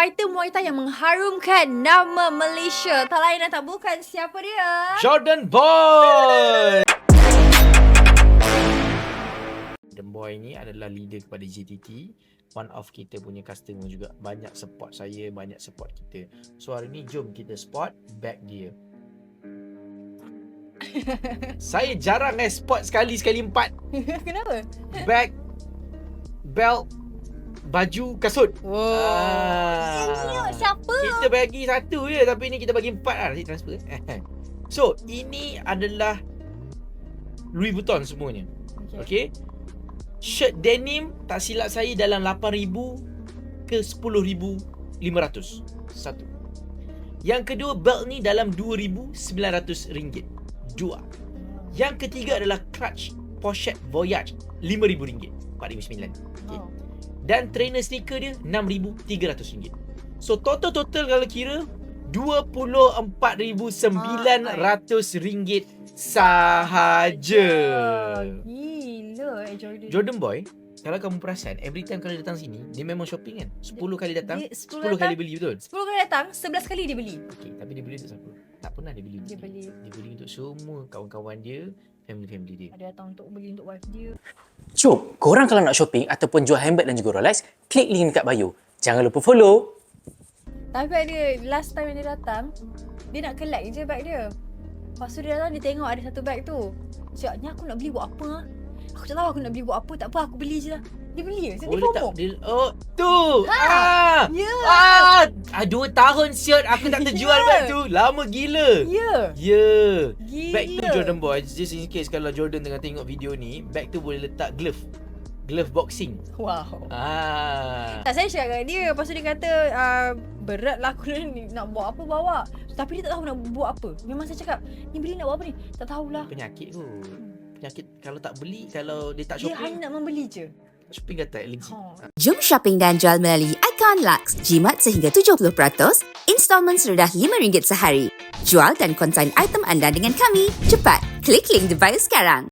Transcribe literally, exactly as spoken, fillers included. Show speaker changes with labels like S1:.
S1: Item wanita yang mengharumkan nama Malaysia. Tak lain dan tak bukan, siapa dia?
S2: Jordan Boy. Jordan Boy ni adalah leader kepada J T T. One of kita punya customer juga. Banyak support saya, banyak support kita. So hari ni jom kita spot bag dia. Saya jarang eh spot sekali sekali empat.
S1: Kenapa?
S2: Bag, belt, baju, kasut.
S1: Wow.
S2: Ah.
S1: Siapa?
S2: Kita bagi satu je, tapi ni kita bagi empat lah. Nanti transfer. So ini adalah Louis Vuitton semuanya. Okay, okay? Shirt denim tak silap saya dalam lapan ribu ke sepuluh ribu lima ratus. Satu. Yang kedua, belt ni dalam dua ribu sembilan ratus ringgit. Dua. Yang ketiga adalah clutch pochette Voyage lima ribu ringgit. empat ribu sembilan. Okay.
S1: Oh.
S2: Dan trainer sneaker dia enam ribu tiga ratus ringgit. So total-total kalau kira dua puluh empat ribu sembilan ratus ringgit sahaja.
S1: Gila eh Jordan.
S2: Jordan Boy, kalau kamu perasan, every time kalau dia datang sini, dia memang shopping kan. sepuluh kali datang,
S1: Dia-
S2: sepuluh kali beli, betul?
S1: sepuluh kali datang, sebelas kali dia beli.
S2: Okey, tapi dia beli untuk siapa? Tak pernah dia beli.
S1: Dia beli.
S2: Dia beli untuk semua kawan-kawan dia, family-family dia.
S1: Ada datang untuk beli untuk wife dia.
S3: Jom, korang kalau nak shopping ataupun jual handbag dan juga Rolex, klik link dekat bio. Jangan lupa follow.
S1: Tapi ada last time yang dia datang, dia nak collect je bag dia. Lepas tu dia datang, dia tengok ada satu bag tu. Cakap, ni aku nak beli buat apa? Ha? Aku tak tahu aku nak beli buat apa. Tak apa, aku beli je lah. Dia beli je. So,
S2: Oh,
S1: dia
S2: dia
S1: FOMO.
S2: tak, dia, oh, tu!
S1: Ha!
S2: Ah!
S1: Ya!
S2: Ah! ah! Dua tahun siot aku tak terjual
S1: Ya!
S2: bag tu. Lama gila.
S1: Ya!
S2: Ya.
S1: Gila.
S2: Bag tu Jordan Boy, just in case kalau Jordan tengah tengok video ni, bag tu boleh letak glove. Glove boxing.
S1: Wow.
S2: Ah.
S1: Tak, saya cakap dengan dia. Lepas tu dia kata, uh, berat lah aku ni nak buat apa bawa. Tapi dia tak tahu nak buat apa. Memang saya cakap, ni beli nak buat apa ni? Tak tahulah.
S2: Penyakit kot. Penyakit kalau tak beli, kalau dia tak
S1: Dia
S2: shopping,
S1: hanya nak membeli je.
S2: shopping kata legit.
S1: Ha.
S4: Jom shopping dan jual melalui Icon Lux. Jimat sehingga tujuh puluh peratus, installment serendah lima ringgit sehari. Jual dan konsign item anda dengan kami. Cepat, klik link di bio sekarang.